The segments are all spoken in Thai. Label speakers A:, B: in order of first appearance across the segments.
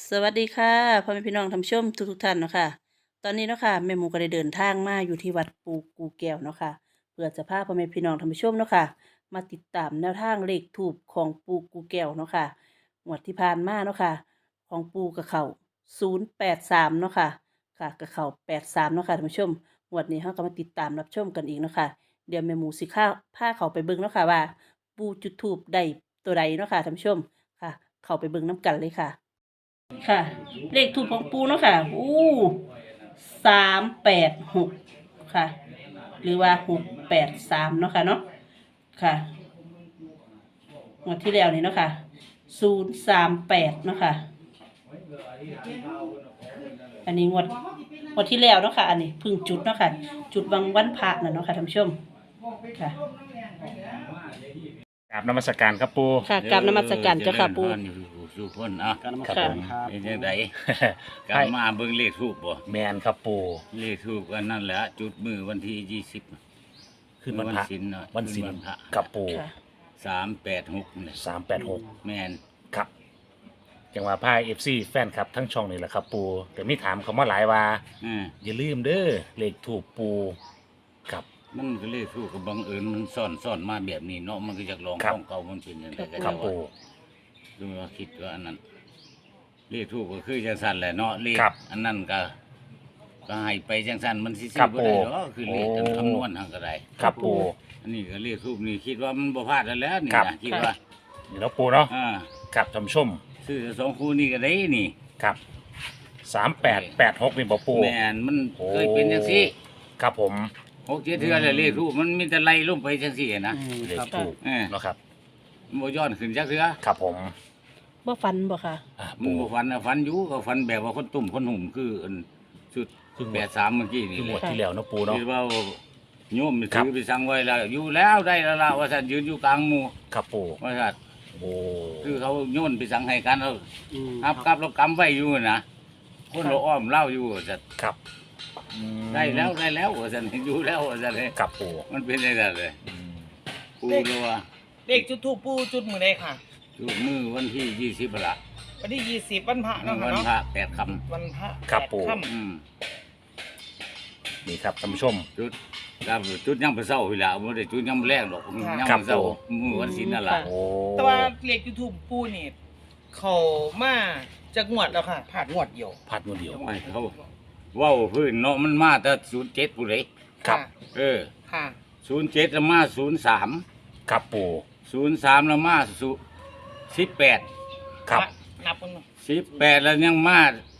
A: สวัสดีค่ะพ่อแม่พี่น้องท่านผู้ชมทุกท่านเนาะค่ะตอนนี้เนาะค่ะแม่หมูก็ได้เดินทางมาอยู่ที่วัดปูกูแก้วเนาะค่ะเพื่อจะพาพ่อแม่พี่น้องท่านผู้ชมเนาะค่ะมาติดตามแนวทางเลขถูกของปูกูแก้วเนาะค่ะงวดที่ผ่านมาเนาะค่ะของปูกับเขา083เนาะค่ะค่ะกับเขา83เนาะค่ะท่านผู้ชมงวดนี้เราก็มาติดตามรับชมกันอีกเนาะค่ะเดี๋ยวแม่หมูสิข้าพาเขาไปเบิ่งเนาะค่ะว่าปูจุดถูปได้ตัวใดเนาะค่ะท่านผู้ชมค่ะเข้าไปเบิ่งน้ำกันเลยค่ะ ค่ะเลขถูกของปูเนาะค่ะ386ค่ะ หรือว่า683เนาะค่ะเนาะค่ะงวดที่แล้วนี่เนาะค่ะ038เนาะค่ะอันนี้งวดที่แล้วเนาะค่ะอันนี้เพึ่งจุดเนาะค่ะจุดวันพระน่ะเนาะค่ะท่านผู้ชมค่ะ
B: กราบนมัสการครับปู
A: ค่ะกราบนมัสการเจ้าค่ะปู
C: สู่คนอ่ะ
B: ครับผม
C: เป็นจังไดกลับมาเบิ่งเลขทูปบ่
B: แมนครับปู
C: เลขทูปก็นั่นแหละจุดมือวันที่20
B: ขึ้นวันพระ
C: ศีลเนาะ
B: วันศีล
C: ขึ้วันพระ
B: กับปู
A: ค่ะ
C: 386นี่
B: 386
C: แม่น
B: ครับจังหวะพายFC แฟนครับทั้งช่องนี่แหละครับปูแต่มีถามเขามาหลายว่า อย่าลืมเด้อเลขถูกปูครับ
C: มันก็เลขทูปก็บังเอิญมันซ่อนมาแบบนี้เนาะมันก็อยากลอง
B: ครับ
C: ของเก่ามันเป็นจังไดก็
B: ครับ
C: จะ
B: ปู
C: ดูว่าคิดว่าอันนั้นเลขทูปก็คือจังซั่นแหละเนาะเลข
B: ครับ
C: อันนั้นก็ให้ไปจังซั่นมันสิ
B: ครับ
C: บ่ได้
B: ปู่
C: หรอกคือเลข
B: โอ้
C: คำนวณทางก็ได้
B: ครับปู
C: อันนี้ก็เรียกทูบนี่คิดว่ามันบ่พลาดแล้วนี่
B: ครับ
C: นะคิดว่า
B: นี่เนาะปูเนาะ
C: อ่า
B: ครับท่านผู้ชม
C: ซื้อสองคู่นี่ก็ได้นี่
B: ครับ3886นี่บ่ปู
C: แม่นมัน
B: โอ้
C: เคยเป็นจังซี่
B: ครับผม
C: 6-7เทื่อแล้วเลขทูบมันมีแต่ไล่ลงไปจังซี่นะ
B: เลขถูก
C: เออ
B: เนาะครับ
C: มันบ่ย้อนขึ้นจักเทื่อ
B: ครับผม
A: บ่ฟันบ่ค่ะ
C: มึงบ่ฝันนะฝันอยู่ก็ฝันแบบว่าคนตุ่มคนหุ่มคืออันชุด
B: คือ
C: 83เมื่อกี้นี่
B: คือห
C: เล
B: ม
C: ย
B: ดที่แล้วเนาะปูเนาะ
C: คิดว่าโยม
B: ครั
C: ถื
B: บ
C: อไปสั่งไว้แล้วอยู่แล้วได้แล้วล่ะว่าซั่นยืนอยู่กลางหมู่
B: ครับปู
C: ว่าซั่น
B: โอ้
C: คือเขาโยนไปสั่งให้กันเอาครับแล้วกำไว้อยู่นะคนเราอ้อมเล่าอยู่ซั่น
B: ครับอืม
C: ได้แล้วว่าซั่นอยู่แล้วว่าซั่นเลย
B: ครับปู
C: มันเป็นได้แล้วเลย
B: อืม
C: ปูเลยว่า
D: เลขจุดทูปปูจุดมือใดค่ะ
C: จุดมือวันที่20ละ
D: วันที่20วันพระเนาะค่ะ
C: วัน
D: เนาะ
C: พระ8ค่ำ
D: วันพระ
B: ครับ
D: แปด
B: ปู่
D: ค่
B: นี่ครับท่านผู้ชม
C: จุดครับจุดยังบ่เช้าพี่ล่ะบ่ได้จุดยังบ่แรงดอกยัง
B: ครับ
C: บ่เช้า
B: ปู่
C: มื้อวันศีลนั่นล่ะ
A: ค่ะ
B: โอ้
D: ำแต่ว่าเลขจุดทูปปูนี่เขามาจากงวดแล้วค่ะผ่านงวดเดียว
B: พัดมือเดียว
C: ไม่เขาเว้าพื้นเนาะมันมาแต่07ผู้ใด
B: ครับ
C: เออ
D: ค่ะ
C: 07แล้วมา03
B: ครับปู
C: 03แล้วมา18
B: ครับ
D: นับกันเนาะ
C: 18แล้วยังมา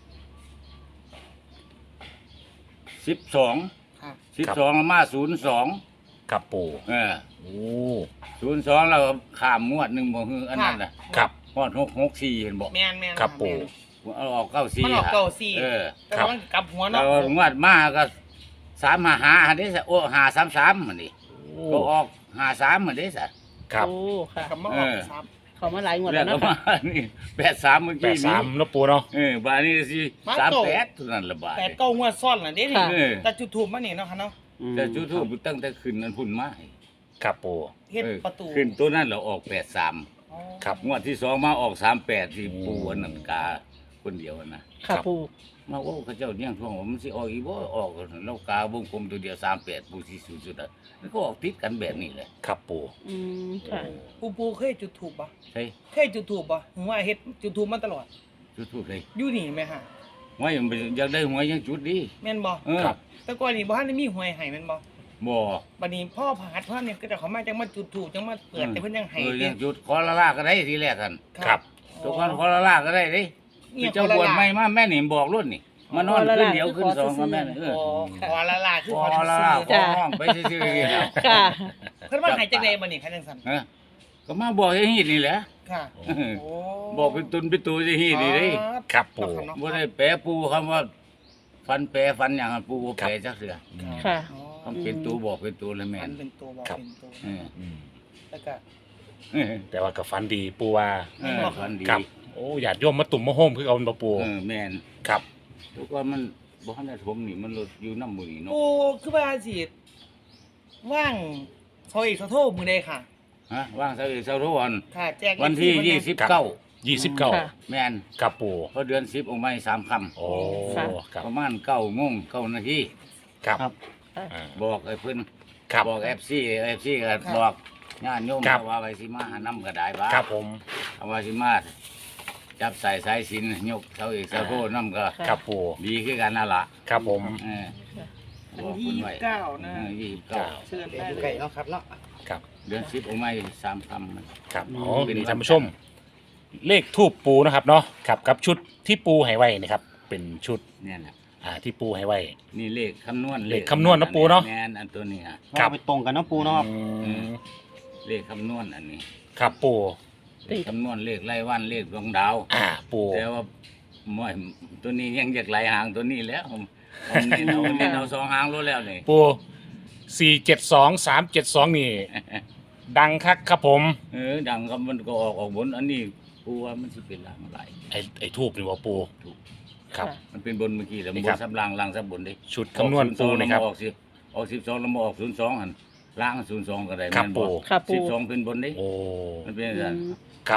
C: 12
D: ค่ะ
C: 12แล้วมา02
B: ครับปู
C: เออ
B: โอ้
C: 02แล้วก็ข้ามงวดหนึงบ่ฮืออันนั้นน่ะ
B: ครับ
C: ฮอด664เห็นบ่
D: แมนแมน
B: ครับปู
C: เอาออก94
D: มันออกเก้าสี่
C: เออ
D: แต่ว่ามันกลับหัว
C: แล้
D: เนาะ
C: วงวดมาก็355อันนี้ซะโอ้533อันนี้
B: โอ้
C: ก็ออก53อันนี้ซะ
B: ครับ
A: โอ้ค่ะ
D: กลับมาออก
C: เออ
D: ซ้
A: เขามาหลายงวด
C: แล้
A: แล้ว ว
C: ก็
A: เนาะ
C: มา นี่83เมื่อ
B: แป
C: กี้
B: ด
C: นี้
B: สามเนาะปูเนาะ
C: บาดนี้สิ38เท่านั้นละบาด
D: ำแปดเก้างวดซ้อนน่ะเด้นี่
A: ค่ะ
C: เออ
D: แต่จุดทูปมานี่เนาะค่ะเนาะ
C: แต่จุดทูปตั้งแต่ขึ้นนั้นพุ่นมาให้
B: ครับปู
D: เฮ็ด
C: เออ
D: ประตู
C: ขึ้นตัวนั้นเราออก83
D: อ๋อ
B: ครับ
C: งวดที่สองมาออก38ที่ปูอันนั้นกาคนเดียวนะ
A: ค่ะปู
C: มาโอ้เขาเจ้าเนี่ยท่วงว่ามันสิออกอีบ่ออกแล้วกาวงกลมตัวเดียว38ปูสิสุดๆอ่ะมันก็ออกติดกันแบบนี้แหละ
B: ครับปู
A: ค่ะ
D: ปูเคยจุดทูปบ่
C: ใช่
D: เคยจุดทูปบ่ถึงว่าเฮ็ดจุดทูปมาตลอด
C: จุดทูปเลย
D: อยู่นี่ไหมค่ะ
C: หวยมันอยากได้หวยยังจุดดี
D: แม่นบ่
C: เออ
B: ครับ
D: แต่ก่อนนี่บ่ทันได้มีหวยให้แม่นบ่
C: บ่
D: บัดนี้พ่อผาดพ่อเนี่ยก็จะเขามาจังมาจุดถูกจังมาเปิดแต่เพิ่นยังให้
C: ยั
D: เด้
C: งจุดขอละลาก็ได้ทีแรกกัน
B: ครับ
C: ทุกคนขอละลาก็ได้เด้
D: เนี่ย
C: เจ้าบวชใหม่มาแม่นี่บอกรุ่นนี่มานอนขึ้นเดียวขึ้นสองก็แม่นี่เออ
D: ขอละลาคือ
C: ข
D: ข
C: อ
D: อ
C: ละ
D: ซื้
C: ลา
D: อ
C: ขอห้องไปซื่อๆนี่แหละ
A: ค่ะ
D: เพิ่นว่าให้จังได๋บัดนี้คันจังซั่น
C: ฮะก็มาบอกให้ฮีดนี่แหละ
D: ค่ะ
C: เออ
D: โอ้
C: บอกเป็นตุนเป็นตัวจะฮีดนี่เด้
B: ครับปู
C: บ่ได้แปรปูคำว่าฟันแปรฟันอย่างนั้นปูบ่แปรจักเทื่อ
A: ค่ะ
C: คำเป็นตัวบอกเป็นตัวเลยแม่
D: มัน นเป็นตัวบอกเป็นตัว
C: เออ
B: อืม
D: แล้วก็
C: เออ
B: แต่ว่ากับฟันดีปูว่า
C: เออฟันดี
B: ครับโอ้ญาติโยมมาตุ่มมาโฮมคือเอาเป็นปู
C: เออแม่น
B: ครับ
C: ทุกว่ามันบ่ทันได้ถมนี่มันลดอยู่น้ำมือนี่เนาะ
D: โอ้คือว่าสิว่างซอยอีกโทรมื้อใดค่ะ
C: ฮะว่างเสาร์เสาร์ทุกวัน
D: ค่ะ แจก
C: วันที่
D: เพิ่น
C: ยี่
D: นะ
C: สิบเก้า
B: 29
A: ค่ะ
C: แม่น
B: ครับปู
C: เพราะเดือน10ออกมา3ค่ำ
B: โอ้
A: ค่ะ
B: ครับ
C: ประมาณ9 โมง 9 นาที
B: ครับ
E: ครับ
B: อ่า
C: บอกไอ้เพิ่น
B: ครับ
C: บอก FC ก็บอกญาติโยม
B: ครับ
C: ว่าไว้สิมาหาน้ำก็ได้บ่า
B: ครับผม
C: เอาว่าสิมาจับใส่สายสิญจนยกเสาเอกเสาโทน้ำก็
A: ค่ะ
B: ครับปู
C: ดีคือกันนั่นล่ะ
B: ครับผม
C: เออ
D: วัน
C: บอก
D: ที่
C: เพิ่นไว้
D: 29นะ
C: 29
D: เชิญ
E: เดี๋ยว
D: ได้
E: อยู่
D: เล
E: ไก่
D: ย
E: เนาะครับเนาะ
B: ครับ
C: เดือน10ออกมา3ค่ำมัน
B: ครับ
E: อืม
B: อ๋อนี่ท่านผู้ชม เลขทูปปูนะครับเนาะครับกับชุดที่ปูให้ไว้นะครับ เป็นชุด
C: เนี่ยแหละ
B: ที่ปูให้ไว้
C: นี่เลขคำนวณ
B: เลขคำนวณนะปู่เนาะ
C: แม่นอันตัวนี้ฮะ
B: ครับ
E: ว่าไปตรงกันเนาะปูเนาะครับ
B: อืม
C: เลขคำนวณอันนี้
B: ครับปู
C: เลขคำนวณเลขไล่วันเลขดวงดาว
B: ปู
C: แต่ว่าม่อยตัวนี้ยังอยากไหลหางตัวนี้แล้วผมเน้นเอาสองหางรู้แล้วนี่
B: ปู472 372นี่ ดังคักครับผม
C: ดังครับมันก็ออกบนอันนี้ปูว่ามันสิเป็นลางไหล
B: ไอ้ทูบนี่ว่าปู
C: ถูก
B: ครับ
C: มันเป็นบนเมื่อกี้แล้ว
B: นี่
C: บ
B: ครั
C: น
B: บ
C: ซับล่างล่างซับบนดิ
B: ชุดคำนวณปูนะครับ
C: ออก10ออก12แล้วมาออก02หั่นล่าง02ก็ได้
B: ครับ
C: แม่น
B: ปู่
A: ครับปู่
C: 12เป็นบนดิ
B: โอ้
C: มันเป็น
A: อื
C: อย่างนั้น
A: ม
B: ครับ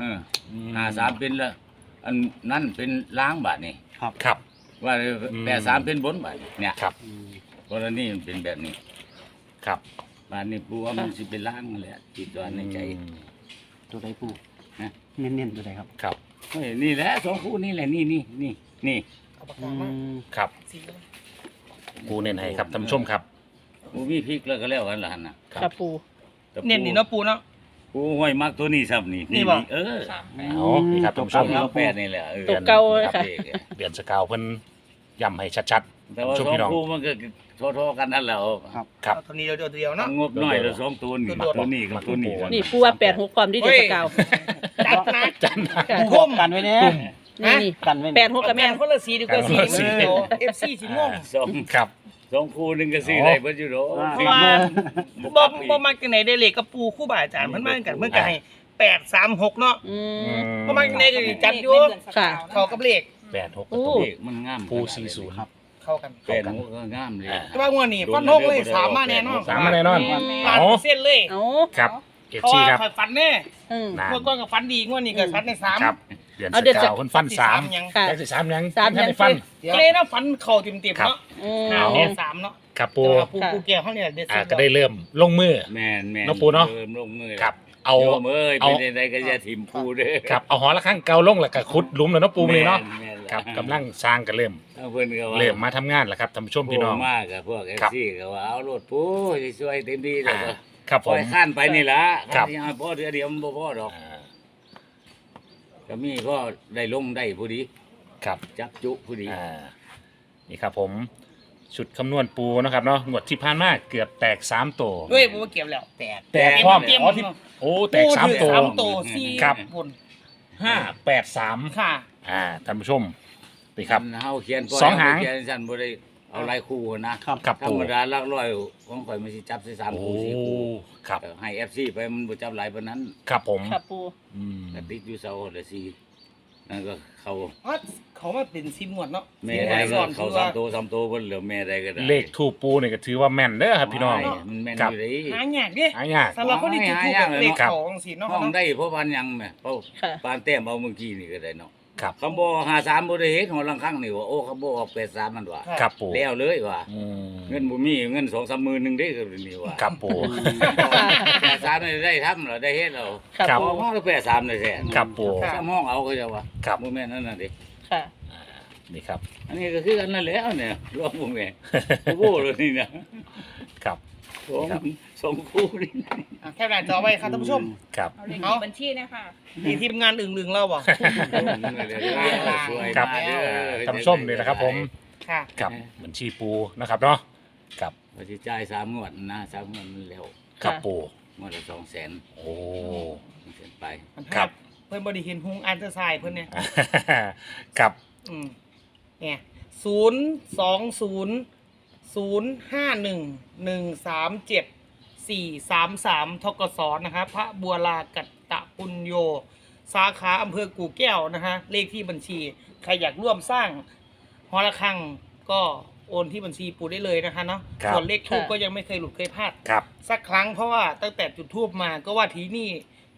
C: 53เป็นละอันนั่นเป็นล้างบาทนี่
B: ครับ
C: ว่า
B: อืม
C: 83เป็นบนบาทเนี่ย
B: ครับ
E: อืม
C: กรณีมันเป็นแบบนี้
B: ครับ
C: บาทนี้ปูว่ามันสิเป็นล้างนั่นแหละจิตตัวในใจ
B: อืม
E: ตัวใดปู
C: ฮะ
E: เน้นๆตัวใดครับ
B: ครับ
C: เฮ้ยนี่แหละสองคู่นี่แหละนี่
D: เอาปาก
E: อื
D: กามาม
B: ครับ
D: สีเลย
B: ปูเน้นให้ครับท่านผู้ชมครับ
C: ปูมีพริกแล้วก็แล้วกันล่ะหั่นน่ะ
A: ครับปู
C: แต่
D: เน้นนี่เนาะปูเนาะ
C: ปูห้อยมักตัวนี้ซับนี่
D: นี่บ่
C: เออ
B: เอานี่ครับท่านผู้ชม
C: สามแปดนี่แหละเออ
A: ตัวเก่าเลยค่ะ
B: เดือนสกาวเพิ่นย้ำให้ชัด
C: แต่ว่า
B: ช่ว
C: ส
B: ง
C: อง
B: พี่น้อง
C: คู่มันก็โทษๆกันนั่นแหละ
E: ครับ
B: ๆ ครับ
D: เอาตัวนี้เดียวๆเนาะ
C: งบน้อยแล้วสองตัวนี่ตัวนี้กับตัวนี้
A: นี่ปูว่า86ความที่เดือนสกาว
D: จัดนะ
B: จันนะ
A: ค่ะ
E: ปูบอกกันไว้เนี่ย
A: นี่นี่
E: กันไว้
A: 86กับแม่น
D: คนละสีดีกว่าสี
B: คนละสี
D: เดียว FC สิงง
C: สอง
B: ครับ
C: สองคู่หนึงก็ซื้อได้เพิ่นอยู่ดอก
E: อ่า
D: เพราะว่าบ่มักจังไหนได้เลขกับปูคู่บ่าอาจารย์เพิ่นมากันเพิ่นก็ให้836เนาะ
A: อืม
D: บ่มักจังไหนก็สิจัดอยู่
A: ค่ะ
D: เข้ากับเลข
B: 86
A: โอ้
C: เลขมันงาม
B: ปู40
E: ครับ
D: เข้ากัน
C: แปดหกก็งามเลย
D: แต่ว่างวดนี้ฟันธงเลยสามมาแน่นอน
B: สามมาแน่นอน
D: ล้าน
B: เอา
D: เปอร์เซ็นต์เลย
A: เอา
B: ครับ
D: เพราะ
B: FC
D: ว่า
B: ครับ
D: ข่อยฟันแน่
A: อืม
B: นะ
D: งวดก่อนก็ฟันดีงวดนี้ก็ฟันในสาม
B: ครับ เดือน
A: เอา
B: ส
A: เดือน
B: กาวเพิ่นฟัน
D: สาม
B: 3
D: ยัง
A: ค่ะ
B: ได้สิ3ยัง
A: สามยัง
B: ได้ฟัน
D: ก็เลยนะฟันเข่าเต็มๆ
B: ครับ
D: เนาะ
A: อืม
D: ห้าแน่สามเนาะ
B: ครับ
D: แต่
B: ปู
D: ว่าปูแก้วเขาเนี่ยเด็ดสุด
B: ก็ได้เริ่มลงมือ
C: แม่น
B: เนาะปูเนาะ
C: เริ่มลงมือ
B: ครับ เอา
C: โยมเอ้ย
B: เอา
C: เป็นใดๆก็อย่าถิ่มปูเด้อ
B: ครับเอาหอละข้างเกาลงแล้วก็ขุดหลุมแล้วเนาะปูมื้อนี้เนาะ
C: แม่นๆ
B: ครับกำลังสร้างกันเริ่ม
C: เอาเพิ่นก็ว่า
B: เริ่มมาทำงานแล้วครับท่านผู้ชมพี่น้อง
C: โมากกับพวก
B: ครับ
C: FC ก็ว่าเอาโลดปูช่วยเต็มที่แล้วก็
B: ครับผ
C: ปล่อ
B: ม
C: ยข้านไปนี่ล่ะ
B: ครับ
C: ที่เอาพ่อเดียวมันบ่พอดอก
B: อ่า
C: ก็มีก็ได้ลงได้ผู้ดี
B: ครับ
C: จักจุผู้ดี
B: นี่ครับผมชุดคำนวณปูนะครับเนาะงวดที่ผ่านมาเกือบแตก3ตัว
D: ด้วยผมว่าเก็บแล้วแตก
B: แตกพร้อม
D: เต็ม
B: อ๋อที่โอ้แตก3ตัว
D: สามตัวสี่
B: ครับ
D: บน
B: 583
D: ค่ะ
B: ท่านผู้ชมนี่ครับ
C: เฮาเขียนปล่ย
B: สองหาง
C: เขียนฉันบ่ได้เอาหลายคู่นะครับ
B: ครับ
C: ธร
B: ปู
C: รมดาหลักร้อยของข่อยมันสิจับใส่3
B: โอ้
C: คู่4คู่
B: ครับ
C: ให้ FC ไปมันบ่จับหลายปานนั้น
B: ครับผม
A: ครับปู
B: อืม
C: ก็ติดอยู่เสาละ4นั่นก็เข้า
D: เพราะเขามาเป็นซิมหมวดเนาะ
C: แม่
D: ซิมหม
C: ใด
D: วด
C: ก็
D: ซ้อน
C: เข้า
D: คือว่า
C: 3ตัว3ตัวเพิ่นเหลือแม่ใดก็ได้
B: เลขทูปปูนี่ก็ถือว่าแม่นเด้อครับพี่น้อง
C: ไม่มันแม่น
B: ครับ
C: อยู่เด้
D: หายากเด้
B: หายาก
D: สำหรับคนที่จุดทูบ
C: หายาก
D: เลข
B: ครับ
D: เขาจังซี่เนาะ
C: ห้อง
D: เนาะ
C: ได้เพราะปานหยังแม่เพราะ
A: ค่ะ
C: ปานแต้มเอาเมื่อกี้นี่ก็ได้เนาะ
B: ครับ
C: คำบ่53บ่ได้เฮ็ดหัวลังครั้งนี่ว่าโอ้คำบ่ออก83มันว่า
B: ครับปู
C: แล้วเลยว่า
B: อืม
C: เงินบ่มีเงิน 2-3 หมื่นนึงเด้ก็นี่ว่า
B: ครับปู
C: 83นี่ได้ทำเหรอได้เฮ็ดแล้ว
A: ครับ
B: ครับ
A: ปู
C: ห้องละ83ได้แท้
B: ครับปู
C: ซ้ำห้องเอาก็จะว่า
B: ครับ
C: บ่แม่นนั่นน่ะเด้
A: ค่ะ
B: นี่ครับ
C: อันนี้ก็คือกันนั่นแหล้วเนี่ยรวมบ่แม่นโอ้โหเลยนี่นะครับ สองคู่นี่
D: อ่ะแคปหน้าจอไว้ครับท่านผู้ชม
B: ครับ
F: เอาเลข
D: เอา
F: บัญชีนะคะ
D: มีทีมงานอึ่งๆเราบ่
C: สวย
B: ครับ
C: มากเด้อ
B: ท่านผู้ชมนี่นะครับผม
D: ค่ะ
B: กับบัญชีปูนะครับเนาะกับ
C: ว่าสิจ่าย3งวดนะ3งวดมันแล้ว
B: กับปู
C: งวดละ200,000
B: โอ้
C: มันเกินไป
B: ครับ
D: เพิ่นบ่ได้เห็นฮุงอันเตอร์ไซด์เพิ่นเนี่ย
B: กับ
D: เนี่ย02051137433ทกสนะครับพระบัวลากัตตะปุญโย สาขาอำเภอกู่แก้วนะฮะเลขที่บัญชี ใครอยากร่วมสร้างหอระฆังก็โอนที่บัญชีปูได้เลยนะคะเนาะส่วนเลขทูปก็ยังไม่เคยหลุดเคยพลาด
B: ครับ
D: สักครั้งเพราะว่าตั้งแต่จุดทูบมาก็ว่าทีนี่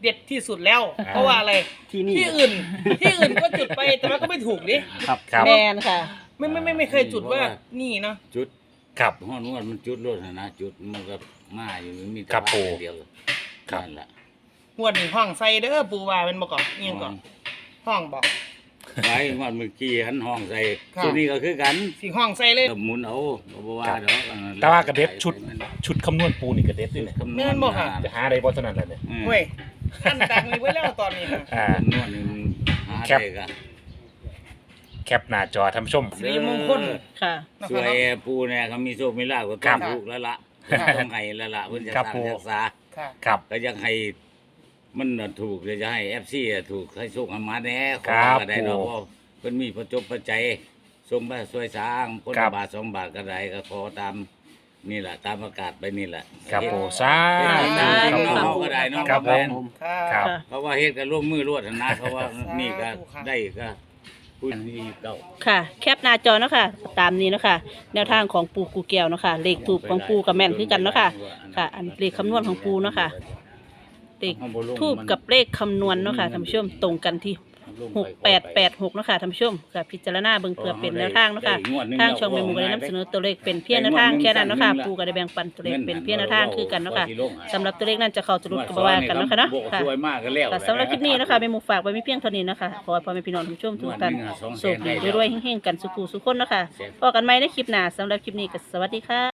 D: เด็ดที่สุดแล้ว เพราะว่าอะไร
E: ที่นี่
D: ที่อื่นก็จุดไปแต่มันก็ไม่ถูกดิ
E: ครับ
B: ครับ
A: แมนค่ะ
D: ไม่เคยจุดว่านี่เนาะ
C: จุด
B: ครับ
C: ห้อนวดมันจุดรถนะจุดมันก็มาอยู่มีแต่
B: ครับ
C: ว่า
B: ปู่
C: เดียว
B: ครับ
C: นั่นแหละ
D: งวดนี้ห้องใส่เด้อปูว่าเป็นบ่ก่อนเอียงก่อนห้องบอก
C: ไว้งวดเมื่อกี้หันห้องใส่
D: ครับ
C: ตัวนี้ก็คือกัน
D: สิห้องใส่เลย
C: หมุนเอาบ่ว่าดอก
B: แต่ว่ากระเด็ดชุดคำนวณปูนี่กระเด็ดด้วยเนี่ย
C: คำน
D: แม่
C: วณ
D: นบ่ค่ะ
B: จะหาอะไรบ่เท่านั้นแหละเนี่ย
C: อืม
D: เว้ยอันดังนี้ไว้แล้วตอนนี้ค่ะ
B: อ่า
C: คำนวณนี่มันหา
B: แคป
C: ได้ก็
B: แคปหน้าจอท่านผู้ชม
D: สิริมงคล
A: ค่ะ
D: นะ
C: ส
D: ครับ
C: วยปูเนี่ยเขามีโชคมีลาภก็
B: ครั
C: ต้อบ งถูกแล้วล่ะ
D: ครับ
C: ต้องให้แล้วล่ะเพิ่นจะ
B: ครับ
C: สร้าง
B: ปู่
C: รักษา
D: ค่ะ
B: ครับ
C: ก็ยังให้มันน่ะถูกเลยจะให้ FC อ่ะถูกให้โชคให้มาแน่ข
B: ค
C: อ
B: รับ
C: ก็ได้เนาะ
B: ปู่
C: เพราะเพิ่นมีประจบประใจยส่งมาช่วยสร้างคน
B: ครั
C: ละ
B: บ
C: บาท2 บาทก็ได้ก็ขอตามนี่แหละตามประกาศไปนี่แหละ
B: ครับปูสา
C: เฮ็ด
B: ธุ
C: จริง
B: ครับ
C: ๆ
B: ปู
C: เนาะเฮาก็ได้เนาะ
B: ครับผม
C: แม่น
D: ค่ะ
B: ครับ
C: เพราะว่าเฮ็ดกันร่วมมือรวดนะเพราะว่า
D: สาธุ
C: นี่ก็
D: ครับ
C: ได้ก็คุณนี่เก่า
A: ค่ะ แคปหน้าจอเนาะค่ะ ตามนี้เนาะค่ะ แนวทางของปูกูแก้วเนาะค่ะ เลขถูกของปูกับแม่นคือกันเนาะค่ะ ค่ะ อันเลขคำนวณของปูเนาะค่ะ เลขทูบกับเลขคำนวณเนาะค่ะท่านผู้ชมตรงกันที่6886เนาะค่ะท่านผู้ชมค่ะพิจารณาเบิ่งเพื่อเป็นแนวทางเนาะค่ะ ทางช่องแม่หมูก็ได้นำเสนอตัวเลขเป็นเพียงแนวทางแค่นั้นเนาะค่ะปูก็ได้แบ่งปันตัวเลขเป็นเพียงแนวทางคือกันเนาะค่ะสำหรับตัวเลขนั้นจะเข้าจะหลุดก็บ่ว่ากันเนาะค่ะเนาะค่ะ
C: สวยมากก็แล้ว
A: ค่ะสำหรับคลิปนี้นะคะแม่หมูฝากไว้ไม่เพียงเท่านี้นะคะขอให้พ่อแม่พี่น้องทุกท่านทุกท่านโชคดีรวยๆเฮงๆกันสุขุสุขคนเนาะคะพบกันใหม่ในคลิปหน้าสำหรับคลิปนี้ก็สวัสดีค่ะ